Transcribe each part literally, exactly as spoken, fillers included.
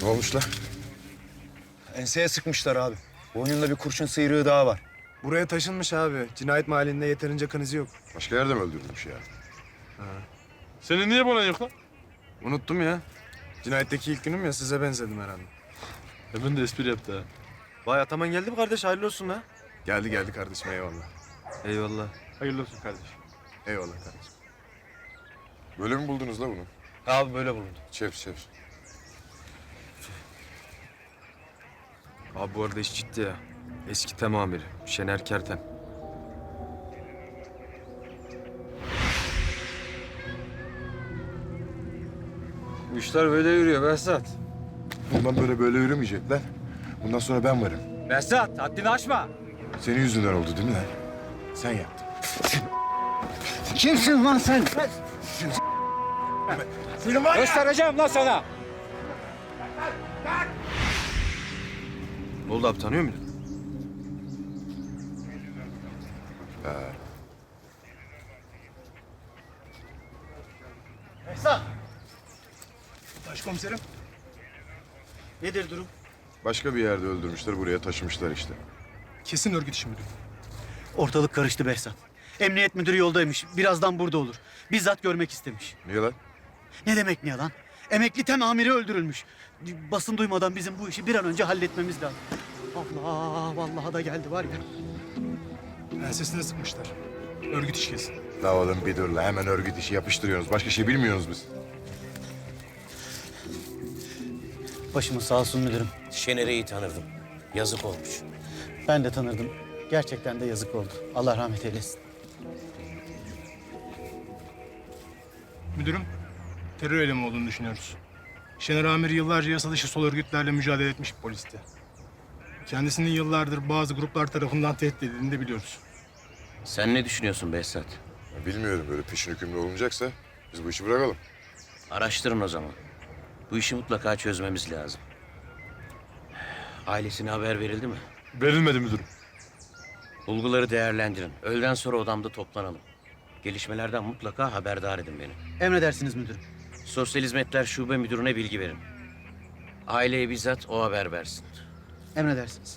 olmuş lan? Enseye sıkmışlar abi. Boynunda bir kurşun sıyrığı daha var. Buraya taşınmış abi. Cinayet mahallinde yeterince kan izi yok. Başka yerde mi öldürülmüş ya? Senin niye bana yok lan? Unuttum ya. Cinayetteki ilk günüm ya, size benzedim herhalde. Hemen de espri yaptı ha. Vay Ataman geldi mi kardeş? Hayırlı olsun ha. Geldi geldi kardeşim, eyvallah. Eyvallah. Hayırlı olsun kardeşim. Eyvallah kardeşim. Böyle mi buldunuz la bunu? Abi böyle bulundu. Çevir çevir. Abi bu arada iş ciddi ya. Eski tem amiri Şener Kerten. Bu işler böyle yürüyor Behzat. Bundan böyle böyle yürümeyecek lan. Bundan sonra ben varım. Behzat haddini aşma. Senin yüzünden oldu değil mi lan? Sen yaptın. Kimsin lan sen? Göstereceğim lan sana. Ne oldu abi, tanıyor muydun? Başkomiserim. Nedir durum? Başka bir yerde öldürmüşler, buraya taşımışlar işte. Kesin örgüt işi müdürüm. Ortalık karıştı Behzat. Emniyet müdürü yoldaymış. Birazdan burada olur. Bizzat görmek istemiş. Niye lan? Ne demek ne yalan? Emekli tem amiri öldürülmüş. Basın duymadan bizim bu işi bir an önce halletmemiz lazım. Allah, vallahi da geldi var ya. Ensesine sıkmışlar. Örgüt işi kesin. La oğlum bir dur la, hemen örgüt işi yapıştırıyorsunuz. Başka şey bilmiyorsunuz biz. Başımız sağ olsun müdürüm. Şener'i iyi tanırdım. Yazık olmuş. Ben de tanırdım. Gerçekten de yazık oldu. Allah rahmet eylesin. Müdürüm, terör eylemi olduğunu düşünüyoruz. Şener Amir yıllarca yasa dışı sol örgütlerle mücadele etmiş bir polisti. Kendisinin yıllardır bazı gruplar tarafından tehdit edildiğini de biliyoruz. Sen ne düşünüyorsun Behzat? Ya bilmiyorum, böyle peşin hükümlü olunacaksa biz bu işi bırakalım. Araştırın o zaman. Bu işi mutlaka çözmemiz lazım. Ailesine haber verildi mi? Verilmedi müdürüm. Bulguları değerlendirin. Öğleden sonra odamda toplanalım. Gelişmelerden mutlaka haberdar edin beni. Emredersiniz müdürüm. Sosyal Hizmetler Şube Müdürü'ne bilgi verin. Aileye bizzat o haber versin. Emredersiniz.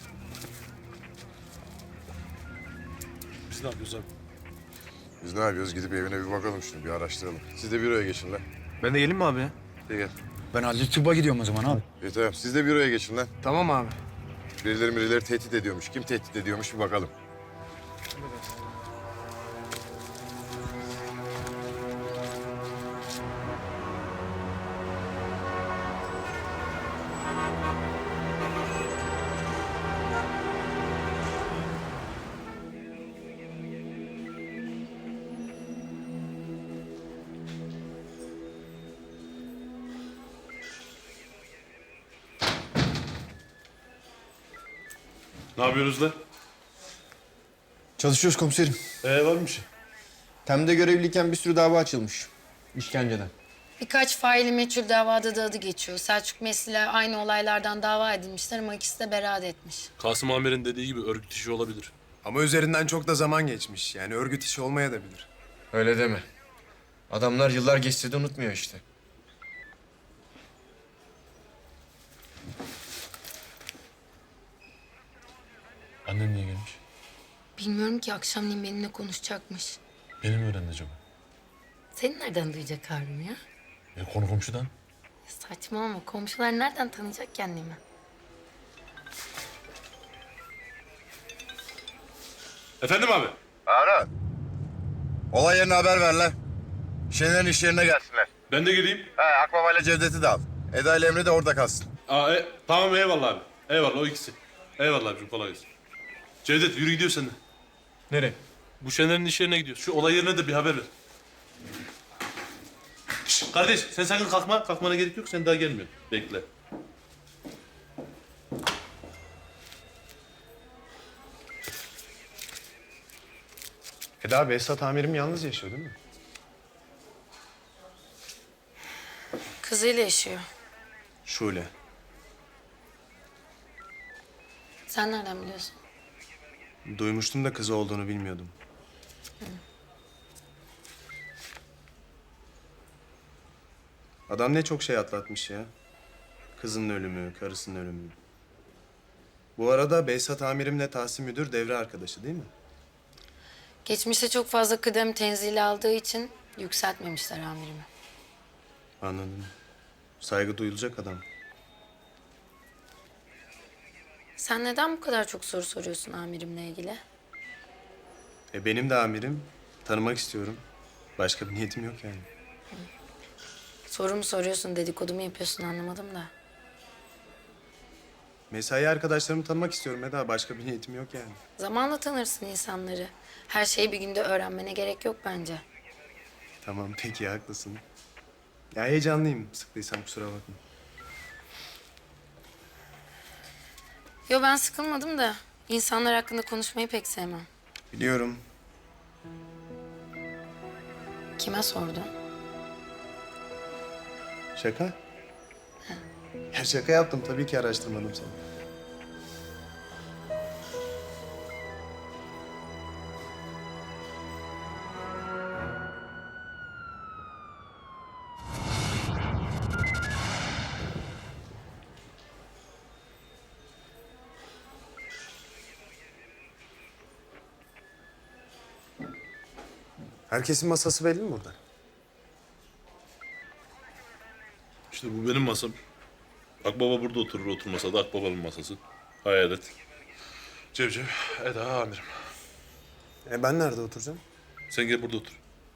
Biz ne yapıyoruz abi? Biz ne yapıyoruz? Gidip evine bir bakalım şunu, bir araştıralım. Siz de büroya geçin lan. Ben de geleyim mi abi ya? De gel. Ben Adli Tıbba gidiyorum o zaman abi. İyi tamam, siz de büroya geçin lan. Tamam abi. Birileri birileri tehdit ediyormuş. Kim tehdit ediyormuş bir bakalım. Ne yapıyoruz lan? Çalışıyoruz komiserim. Ee var mı bir şey? Tem'de görevliyken bir sürü dava açılmış. İşkenceden. Birkaç faili meçhul davada da adı geçiyor. Selçuk Mesli'yle aynı olaylardan dava edilmişler ama ikisi de beraat etmiş. Kasım Amir'in dediği gibi örgüt işi olabilir. Ama üzerinden çok da zaman geçmiş. Yani örgüt işi olmayabilir. Öyle deme. Adamlar yıllar geçse de unutmuyor işte. Annen niye gelmiş? Bilmiyorum ki akşamleyin benimle konuşacakmış. Beni mi öğrendi acaba? Seni nereden duyacak Harun ya? E, konu komşudan. Saçmalama. Komşular nereden tanıyacak kendimi? Efendim abi? Harun. Olay yerine haber ver lan. Şener'in iş yerine gelsinler. Ben de geleyim. He, Akbaba ile Cevdet'i de al. Eda ile Emre de orada kalsın. Aa, e, tamam eyvallah abi. Eyvallah o ikisi. Eyvallah abicim kolay gelsin. Cevdet yürü gidiyor sen de. Nereye? Bu Şener'in iş yerine gidiyoruz. Şu olay yerine de bir haber ver. Şişt, kardeş sen sakın kalkma. Kalkmana gerek yok. Sen daha gelmiyorsun. Bekle. Eda, Behzat amirim yalnız yaşıyor değil mi? Kızıyla yaşıyor. Şule. Sen nereden biliyorsun? Duymuştum da kızı olduğunu bilmiyordum. Adam ne çok şey atlatmış ya. Kızının ölümü, karısının ölümü. Bu arada Behzat amirimle Tahsin müdür devre arkadaşı değil mi? Geçmişte çok fazla kıdem tenzili aldığı için yükseltmemişler amirimi. Anladım. Saygı duyulacak adam. Sen neden bu kadar çok soru soruyorsun amirimle ilgili? E benim de amirim. Tanımak istiyorum. Başka bir niyetim yok yani. Soru mu soruyorsun, dedikodu mu yapıyorsun anlamadım da. Mesai arkadaşlarımı tanımak istiyorum Eda. Başka bir niyetim yok yani. Zamanla tanırsın insanları. Her şeyi bir günde öğrenmene gerek yok bence. Tamam peki haklısın. Ya heyecanlıyım. Sıktıysam kusura bakma. Yo ben sıkılmadım da insanlar hakkında konuşmayı pek sevmem. Biliyorum. Kime sordun? Şaka? Ya şaka yaptım. Tabii ki araştırmadım seni. Herkesin masası belli mi burada? İşte bu benim masam. Akbaba burada oturur, oturmasa da Akbaba'nın masası. Hayalet. Cevcev, Eda amirim. E ben nerede oturacağım? Sen gel burada otur.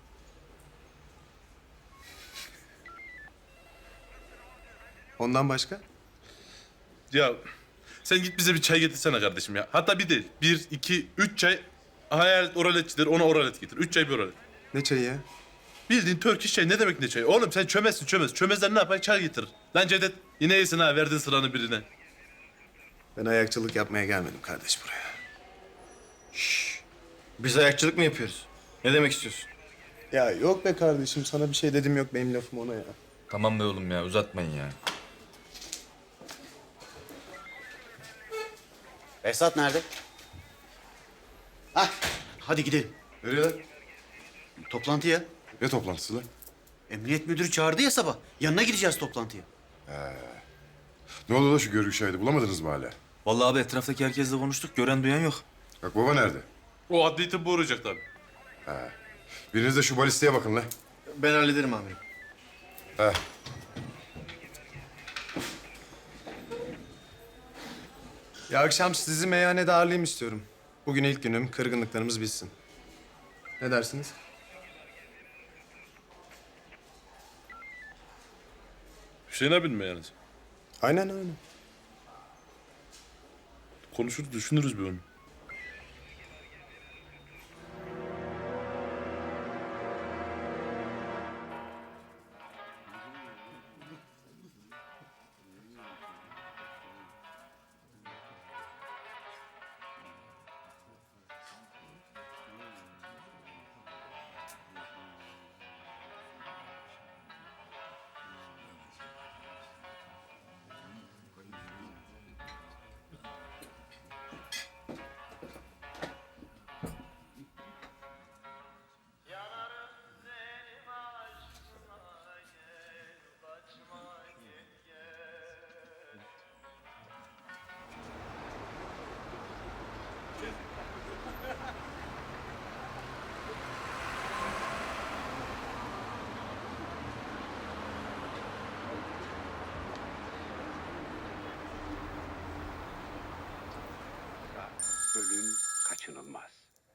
Ondan başka? Ya sen git bize bir çay getirsene kardeşim ya. Hatta bir değil. Bir, iki, üç çay. Hayalet oraletçidir, ona oralet getir. Üç çay bir oralet. Ne çayı ya? Bildiğin Türk iş çayı. Ne demek ne çayı? Oğlum sen çömezsin çömez. Çömezler ne yapar? Çay getirir. Lan Cevdet yine iyisin ha. Verdin sıranı birine. Ben ayakçılık yapmaya gelmedim kardeş buraya. Biz ayakçılık mı yapıyoruz? Ne demek istiyorsun? Ya yok be kardeşim. Sana bir şey dedim yok. Benim lafım ona ya. Tamam be oğlum ya uzatmayın ya. Esat nerede? Hah, hadi gidelim. Nereye lan? Toplantıya. Ne toplantısı lan? Emniyet müdürü çağırdı ya sabah. Yanına gideceğiz toplantıya. Ne oldu da şu görgü şahidi bulamadınız mı hala? Vallahi abi etraftaki herkesle konuştuk. Gören duyan yok. Bak baba nerede? O adli tıbbı uğrayacak tabii. Biriniz de şu balisteye bakın lan. Ben hallederim amirim. He. Ya akşam sizi meyhanede ağırlayayım istiyorum. Bugün ilk günüm. Kırgınlıklarımız bitsin. Ne dersiniz? Hüseyin abin mi yani? Aynen öyle. Konuşuruz, düşünürüz bir onu. Ölüm kaçınılmaz.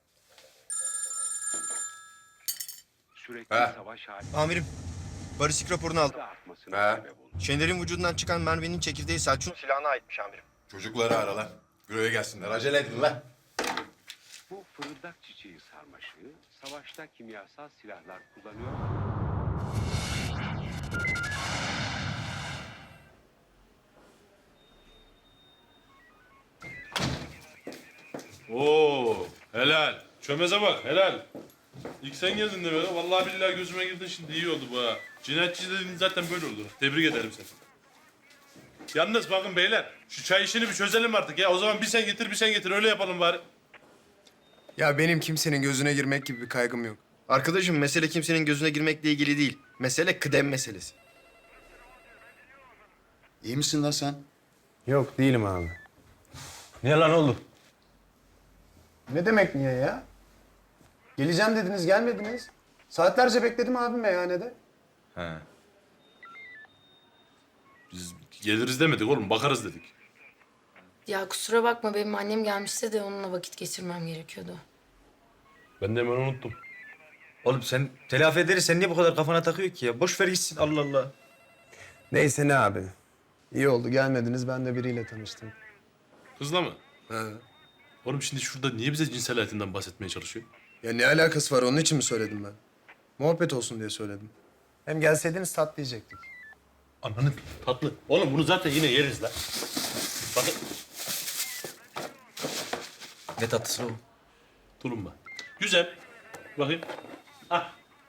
Sürekli He. savaş hali Amirim, balistik raporunu aldım. artmasına He. sebep oldu. Şener'in vücudundan çıkan merminin çekirdeği Selçuk'un silahına aitmiş amirim. Çocukları ara lan. Büroya gelsinler. Acele edin lan. Bu fırıldak çiçeği sarmaşığı savaşta kimyasal silahlar kullanıyor. Oo, helal. Çömeze bak, helal. İlk sen geldin de böyle. Vallahi billahi gözüme girdin şimdi iyi oldu bu ha. Cinayetçi dediğin zaten böyle olur. Tebrik ederim seni. Yalnız bakın beyler, şu çay işini bir çözelim artık ya. O zaman bir sen getir, bir sen getir. Öyle yapalım bari. Ya benim kimsenin gözüne girmek gibi bir kaygım yok. Arkadaşım mesele kimsenin gözüne girmekle ilgili değil. Mesele kıdem meselesi. İyi misin lan sen? Yok değilim abi. Niye lan oğlum? Ne demek niye ya? Geleceğim dediniz gelmediniz. Saatlerce bekledim abi meyhanede. He. Biz geliriz demedik oğlum, bakarız dedik. Ya kusura bakma benim annem gelmişti de onunla vakit geçirmem gerekiyordu. Ben de hemen unuttum. Oğlum sen telafi ederiz. Sen niye bu kadar kafana takıyor ki ya? Boş ver gitsin Allah Allah. Neyse ne abi. İyi oldu gelmediniz ben de biriyle tanıştım. Kızla mı? He. Oğlum şimdi şurada niye bize cinsel hayatından bahsetmeye çalışıyor? Ya ne alakası var onun için mi söyledim ben? Muhabbet olsun diye söyledim. Hem gelseydiniz tatlı yiyecektik. Ananı tatlı. Oğlum bunu zaten yine yeriz lan. Bakın. Ne tatlısı o? Tulumba. Güzel. Bakayım. Ah.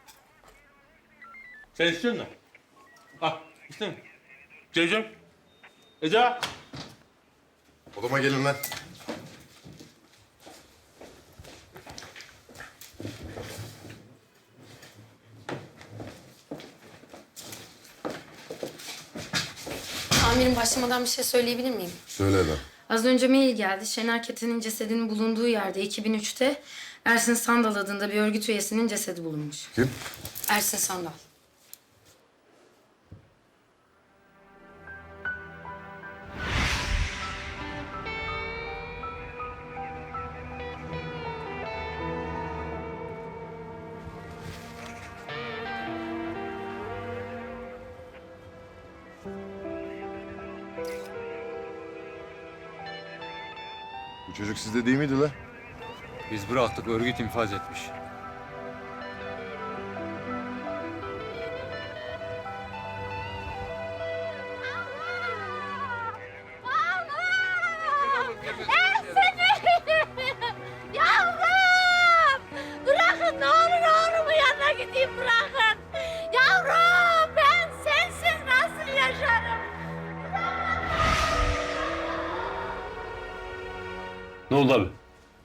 Sen istiyor musun? Ah. İstiyor musun? Cevcem. Ece. Odama gelin lan. Amirim başlamadan bir şey söyleyebilir miyim? Söyle lan. Az önce mail geldi. Şener Keten'in cesedinin bulunduğu yerde iki bin üçte Ersin Sandal adında bir örgüt üyesinin cesedi bulunmuş. Kim? Ersin Sandal. Bu çocuk sizde değil miydi lan? Biz bıraktık örgüt infaz etmiş. Yavrum! Bırakın ne olur oğlumun yanına gideyim bırakın. Yavrum ben sensiz nasıl yaşarım? Ne oldu abi?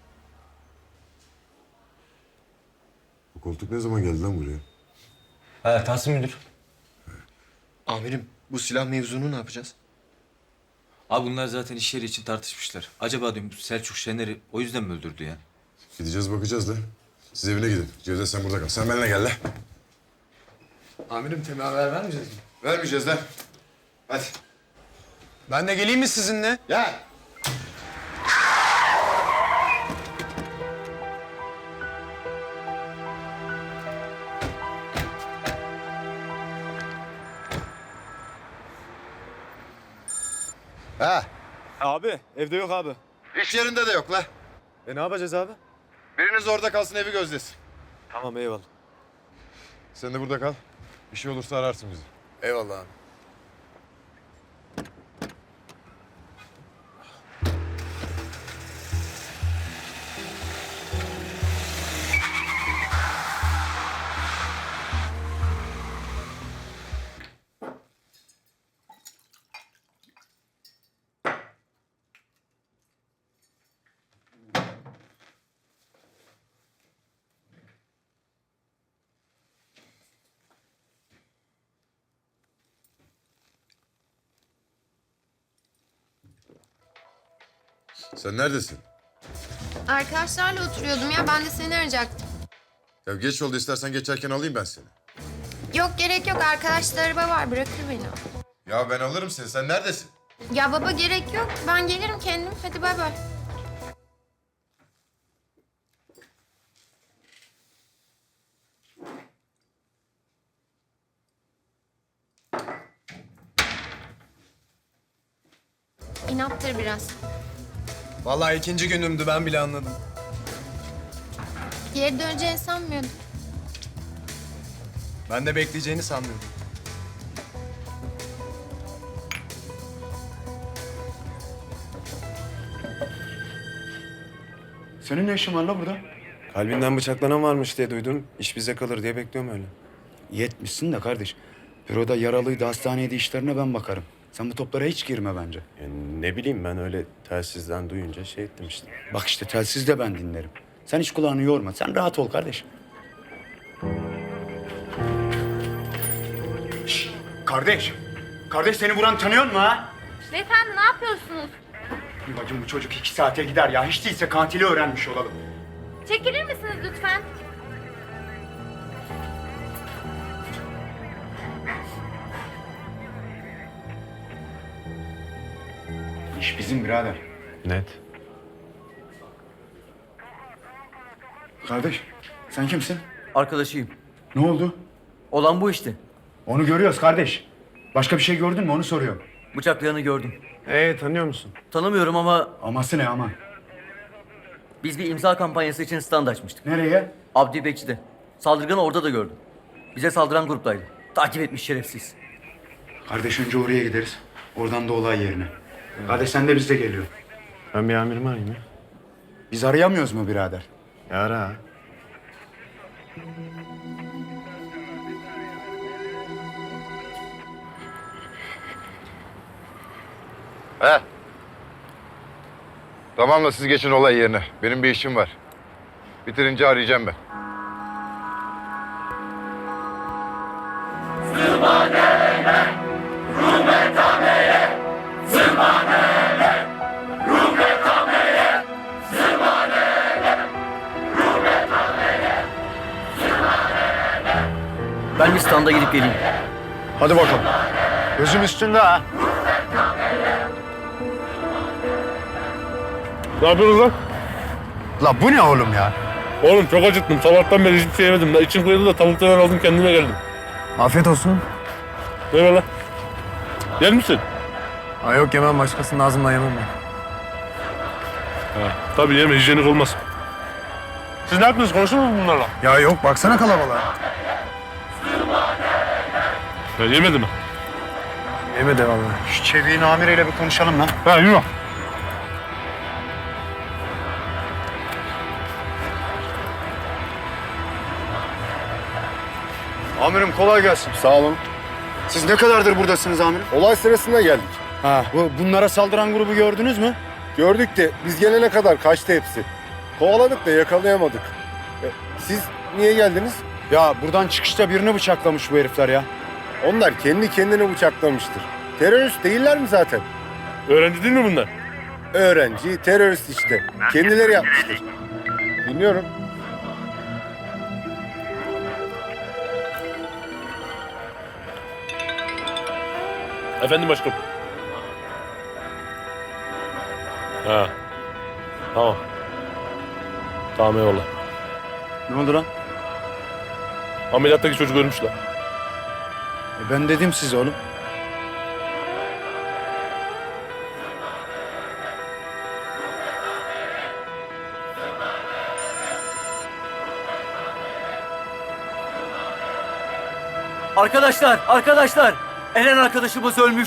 Bu koltuk ne zaman geldi lan buraya? Ha Tahsin müdür. Amirim bu silah mevzunu ne yapacağız? Abi bunlar zaten iş yeri için tartışmışlar. Acaba diyorum Selçuk Şener'i o yüzden mi öldürdü ya? Gideceğiz bakacağız da. Siz evine gidin. Cevdet sen burada kal. Sen benimle gel lan. Amirim Temel haber vermeyeceğiz mi? Vermeyeceğiz lan. Hadi. Ben de geleyim mi sizinle? Gel. Ha, Abi evde yok abi. iş yerinde de yok la. E ne yapacağız abi? Biriniz orada kalsın, evi gözlesin. Tamam eyvallah. Sen de burada kal. Bir şey olursa ararsın bizi. Eyvallah abi. Sen neredesin? Arkadaşlarla oturuyordum ya. Ben de seni arayacaktım. Ya geç oldu, istersen geçerken alayım ben seni. Yok gerek yok. Arkadaşlar araba var. Bırakır beni. Ya ben alırım seni. Sen neredesin? Ya baba gerek yok. Ben gelirim kendim. Hadi bay bay. İnattır biraz. Vallahi ikinci günümdü ben bile anladım. Geri döneceğini sanmıyordum. Ben de bekleyeceğini sanmıyordum. Senin ne işin var la burada? Kalbinden bıçaklanan varmış diye duydum. İş bize kalır diye bekliyorum öyle. Yetmişsin de kardeş. Büroda yaralıydı, hastaneydi, işlerine ben bakarım. Sen bu toplara hiç girme bence. ne bileyim ben öyle telsizden duyunca şey ettim işte. Bak işte telsiz de ben dinlerim. Sen hiç kulağını yorma. Sen rahat ol kardeş. Şşş, kardeş. Kardeş seni vuran tanıyor mu ha? Beyefendi ne yapıyorsunuz? Bacım bu çocuk iki saate gider ya. Hiç değilse katili öğrenmiş olalım. Çekilir misiniz lütfen? İş bizim birader. Net. Kardeş sen kimsin? Arkadaşıyım. Ne oldu? Olan bu işte. Onu görüyoruz kardeş. Başka bir şey gördün mü onu soruyorum. Bıçaklayanı gördüm. Ee tanıyor musun? Tanımıyorum ama Aması ne ama? biz bir imza kampanyası için stand açmıştık. Nereye? Abdi Bekçi'de. Saldırganı orada da gördüm. Bize saldıran gruptaydı. Takip etmiş şerefsiz. Kardeş önce oraya gideriz. Oradan da olay yerine. Kardeş sen de bizle geliyor. Ben bir amirimi arayayım ya. Biz arayamıyoruz mu birader? Ya ara. He. Tamam da siz geçin olay yerine. Benim bir işim var. Bitirince arayacağım ben. Ben bir standa gidip geleyim. Hadi bakalım. Gözüm üstünde ha. Ne yapıyorsun lan? La bu ne oğlum ya? Oğlum çok acıktım. Sabahtan beri hiçbir şey yemedim. Da içim kıyıldı da tavuklardan aldım kendime geldim. Afiyet olsun. Ne var lan? Yer misin? Ay yok yemem, başkasının ağzından yemem ben. Ha, tabii yeme, hijyenik olmaz. Siz ne yaptınız? Konuştunuz mu bunlarla? Ya yok, baksana kalabalığa. Ya yemedi mi? Yemedi vallahi. Şu çeviğin amiriyle bir konuşalım lan. Ha yürü. Amirim kolay gelsin. Sağ olun. Siz ne kadardır buradasınız amirim? Olay sırasında geldik. Ha, bu bunlara saldıran grubu gördünüz mü? Gördük de biz gelene kadar kaçtı hepsi. Kovaladık da yakalayamadık. E, siz niye geldiniz? Ya buradan çıkışta birini bıçaklamış bu herifler ya. Onlar kendi kendine bıçaklamıştır. Terörist değiller mi zaten? Öğrenci değil mi bunlar? Öğrenci, terörist işte. Kendileri yapmıştır. Dinliyorum. Efendim başkanım. Ha. Tamam. Tamam eyvallah. Ne oldu lan? Ameliyattaki çocuk ölmüş lan. E ben dedim size oğlum. Arkadaşlar, arkadaşlar! Eren arkadaşımız ölmüş.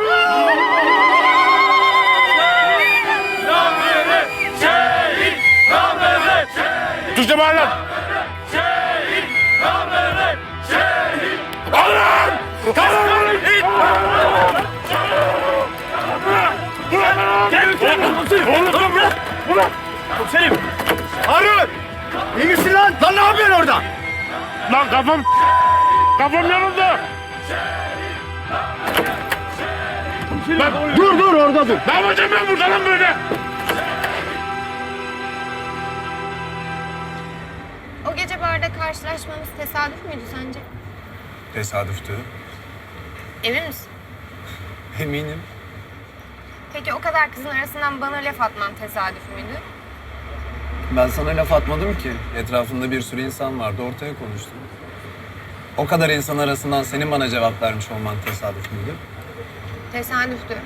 Türkçe bağır lan! Alın! Kalın! Oğlum bırak! Bırak! Komiserim! Harun! İyi misin lan? Lan ne yapıyorsun orada? Lan kafam... Kafam yanıldı! Lan Dur dur orada dur. ne yapacağım ben burada lan böyle? O gece barda karşılaşmamız tesadüf müydü sence? Tesadüftü. Emin misin? Eminim. Peki o kadar kızın arasından bana laf atman tesadüf müydü? Ben sana laf atmadım ki. Etrafında bir sürü insan vardı, ortaya konuştum. O kadar insan arasından senin bana cevap vermiş olman tesadüf müydü? Tesadüftü.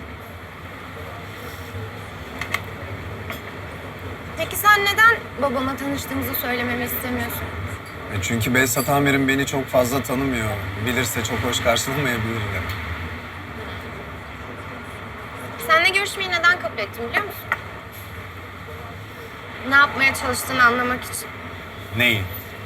Peki sen neden babama tanıştığımızı söylememi istemiyorsun? E çünkü Behzat amirim beni çok fazla tanımıyor. Bilirse çok hoş karşılamayabilir de. Seninle görüşmeyi neden kabul ettim biliyor musun? Ne yapmaya çalıştığını anlamak için. Neyi?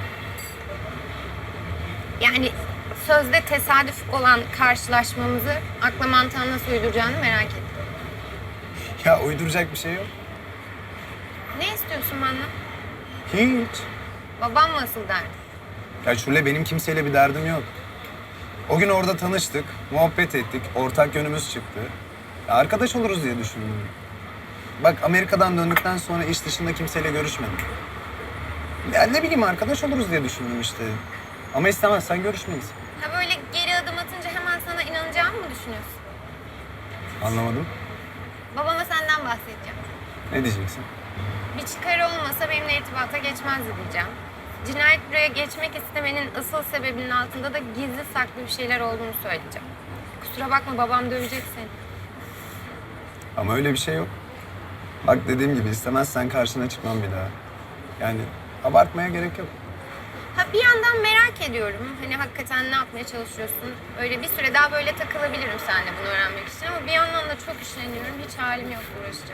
Yani sözde tesadüf olan karşılaşmamızı akla mantığa nasıl uyduracağını merak ettim. Ya uyduracak bir şey yok. Ne istiyorsun benden? Hiç. Babam mı asıl derdi? Ya Şule, benim kimseyle bir derdim yok. O gün orada tanıştık, muhabbet ettik, ortak yönümüz çıktı. Ya arkadaş oluruz diye düşündüm. Bak Amerika'dan döndükten sonra iş dışında kimseyle görüşmedim. Ya ne bileyim arkadaş oluruz diye düşündüm işte. Ama istemezsen görüşmeyiz. Ha böyle geri adım atınca hemen sana inanacağımı mı düşünüyorsun? Anlamadım. Babama senden bahsedeceğim. Ne diyeceksin? Bir çıkarı olmasa benimle irtibata geçmezdi diyeceğim. Cinayet buraya geçmek istemenin asıl sebebinin altında da gizli saklı bir şeyler olduğunu söyleyeceğim. Kusura bakma babam dövecek seni. Ama öyle bir şey yok. Bak dediğim gibi istemezsen karşına çıkmam bir daha. Yani abartmaya gerek yok. Ha bir yandan merak ediyorum. Hani hakikaten ne yapmaya çalışıyorsun? Öyle bir süre daha böyle takılabilirim seninle bunu öğrenmek için ama bir yandan da çok işleniyorum. Hiç halim yok uğraşacak.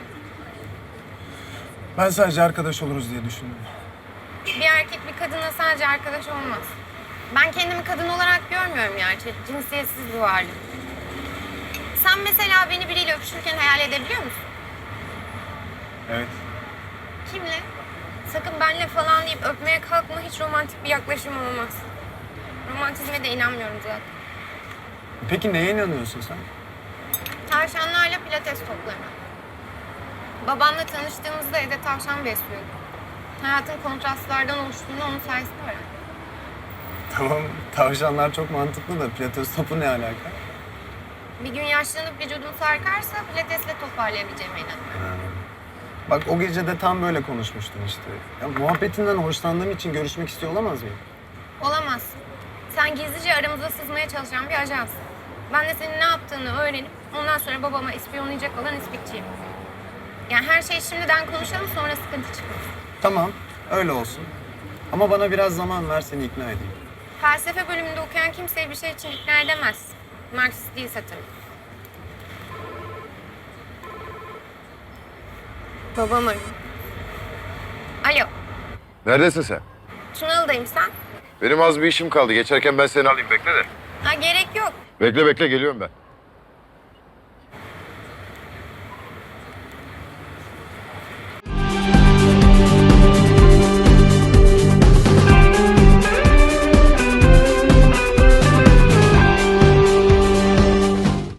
Ben sadece arkadaş oluruz diye düşündüm. Bir erkek bir kadına sadece arkadaş olmaz. Ben kendimi kadın olarak görmüyorum gerçi. Cinsiyetsiz bir varlık. Sen mesela beni biriyle öpüşürken hayal edebiliyor musun? Evet. Kimle? Sakın benle falan deyip öpmeye kalkma. Hiç romantik bir yaklaşım olmaz. Romantizme de inanmıyorum zaten. Peki neye inanıyorsun sen? Tavşanlarla pilates toplarına. Babamla tanıştığımızda evde tavşan besliyorduk. Hayatın kontrastlardan oluştuğunu onun sayesinde öğrendim. Tamam, tavşanlar çok mantıklı da pilates topu ne alaka? Bir gün yaşlanıp vücudum sarkarsa pilatesle toparlayabileceğime inanıyorum. Bak o gece de tam böyle konuşmuştun işte. Ya, muhabbetinden hoşlandığım için görüşmek istiyor olamaz mıyım? Olamazsın. Sen gizlice aramıza sızmaya çalışan bir ajansın. Ben de senin ne yaptığını öğrenip ondan sonra babama ispiyonlayacak olan ispikçiyim. Yani her şeyi şimdiden konuşalım sonra sıkıntı çıkmasın. Tamam, öyle olsun. Ama bana biraz zaman ver seni ikna edeyim. Felsefe bölümünde okuyan kimseyi bir şey için ikna edemez. Marksist değilse tabii. Babam arıyor. Alo, Neredesin sen? Tunalı'dayım sen. Benim az bir işim kaldı. Geçerken ben seni alayım. Bekle de. Ha gerek yok. Bekle bekle geliyorum ben.